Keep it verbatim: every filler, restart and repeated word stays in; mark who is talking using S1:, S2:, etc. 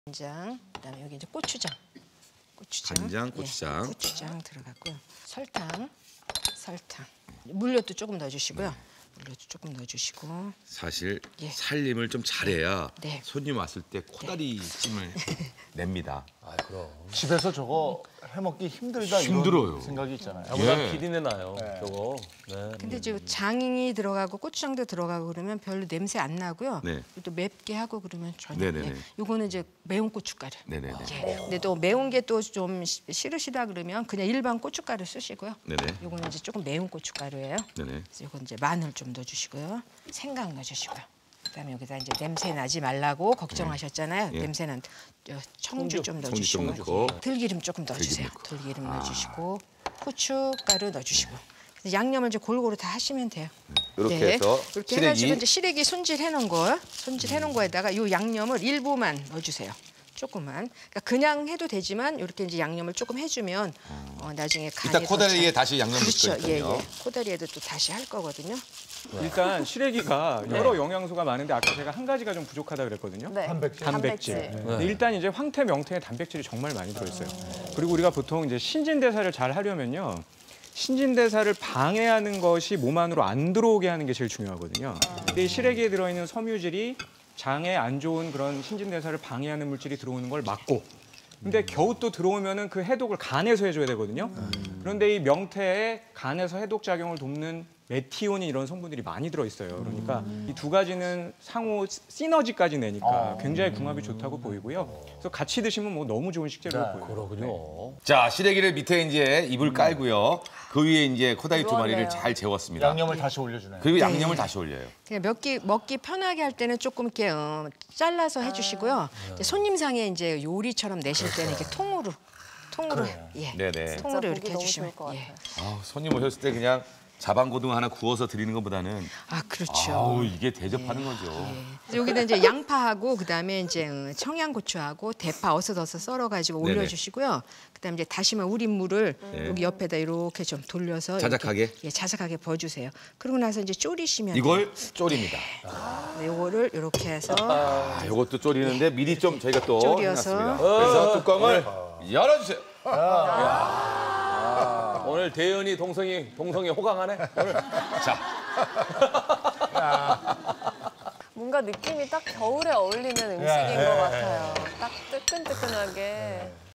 S1: 간장, 그다음에 여기 이제 고추장. 고추장.
S2: 간장, 고추장.
S1: 예, 고추장 들어갔고요. 설탕, 설탕. 물엿도 조금 넣어주시고요. 물엿도 조금 넣어주시고.
S2: 사실
S1: 예.
S2: 살림을 좀 잘해야
S1: 네.
S2: 손님 왔을 때 코다리 찜을 냅니다.
S3: 아, 그럼.
S4: 집에서 저거 해먹기 힘들다
S2: 힘들어요.
S4: 이런 생각이 있잖아요.
S3: 저보다
S2: 예.
S3: 비린내 나요,
S4: 네.
S3: 저거. 네.
S1: 근데 이제 장이 들어가고 고추장도 들어가고 그러면 별로 냄새 안 나고요.
S2: 네.
S1: 또 맵게 하고 그러면 전혀.
S2: 네네네.
S1: 예. 요거는 이제 매운 고춧가루.
S2: 네네네.
S1: 예. 근데 또 매운 게 또 좀 싫으시다 그러면 그냥 일반 고춧가루 쓰시고요.
S2: 네네.
S1: 요거는 이제 조금 매운 고춧가루예요.
S2: 네네.
S1: 그래서 요건 이제 마늘 좀 넣어주시고요. 생강 넣어주시고요. 그다음에 여기다 이제 냄새 나지 말라고 걱정하셨잖아요.
S2: 예.
S1: 냄새는 저 청주 좀
S2: 청주 좀
S1: 넣어주시고
S2: 넣고.
S1: 들기름 조금 넣어주세요.
S2: 들기름 넣고.
S1: 들기름 넣어주시고 후춧가루 넣어주시고 그래서 양념을 이제 골고루 다 하시면 돼요.
S2: 이렇게
S1: 네.
S2: 해서
S1: 이렇게
S2: 시래기.
S1: 해가지고 이제 시래기 손질해 놓은 거 손질해 놓은 거에다가 요 양념을 일부만 넣어주세요. 조금만. 그러니까 그냥 해도 되지만 이렇게 이제 양념을 조금 해주면 어, 나중에 간이
S2: 이따
S1: 더
S2: 코다리에
S1: 잘-
S2: 다시 양념
S1: 그렇죠.
S2: 넣을
S1: 예,
S2: 거니까요.
S1: 예. 코다리에도 또 다시 할 거거든요.
S5: 일단 시래기가 여러 영양소가 많은데 아까 제가 한 가지가 좀 부족하다 그랬거든요.
S6: 네.
S4: 단백질.
S5: 단백질.
S6: 단백질.
S5: 근데 일단 이제 황태, 명태에 단백질이 정말 많이 들어있어요. 그리고 우리가 보통 이제 신진대사를 잘 하려면요. 신진대사를 방해하는 것이 몸 안으로 안 들어오게 하는 게 제일 중요하거든요. 근데 이 시래기에 들어있는 섬유질이 장에 안 좋은 그런 신진대사를 방해하는 물질이 들어오는 걸 막고 근데 겨우 또 들어오면은 그 해독을 간에서 해줘야 되거든요. 그런데 이 명태에 간에서 해독 작용을 돕는 메티오닌 이런 성분들이 많이 들어있어요. 그러니까 이 두 가지는 상호 시너지까지 내니까 굉장히 궁합이 좋다고 보이고요. 그래서 같이 드시면 뭐 너무 좋은 식재료로 보여요.
S3: 그러군요.
S2: 자, 시래기를 밑에 이제 이불 깔고요. 그 위에 이제 코다리 두 마리를
S6: 그러네요.
S2: 잘 재웠습니다.
S4: 양념을 다시 올려주네요.
S2: 그리고 양념을 다시 올려요.
S1: 그냥 몇끼 먹기 편하게 할 때는 조금 이렇게 어, 잘라서 해주시고요. 이제 손님상에 이제 요리처럼 내실 때는 이렇게 통으로 통으로 예
S2: 네네.
S1: 통으로
S6: 진짜
S1: 이렇게
S6: 보기 너무
S1: 해주시면
S6: 좋을 것
S1: 예.
S6: 같아요.
S2: 아, 손님 오셨을 때 그냥 자반고등 하나 구워서 드리는 것보다는
S1: 아 그렇죠.
S2: 아우, 이게 대접하는 거죠.
S1: 그래서 여기다 이제 양파하고 그다음에 이제 어, 청양고추하고 대파 어슷어슷 썰어가지고
S2: 네네.
S1: 올려주시고요. 그다음에 이제 다시마 우린 물을
S2: 네.
S1: 여기 옆에다 이렇게 좀 돌려서
S2: 자작하게?
S1: 이렇게, 예 자작하게 부어주세요. 그러고 나서 이제 졸이시면
S2: 이걸 졸입니다.
S1: 돼요. 요거를 이렇게 해서
S2: 아, 이것도 졸이는데 미리 좀 저희가 또
S1: 졸여서.
S2: 해놨습니다. 그래서 뚜껑을 열어주세요.
S3: 오늘 대현이 동성이 동성이 호강하네. 오늘.
S2: 자,
S6: 뭔가 느낌이 딱 겨울에 어울리는 음식인 것 같아요. 딱 뜨끈뜨끈하게.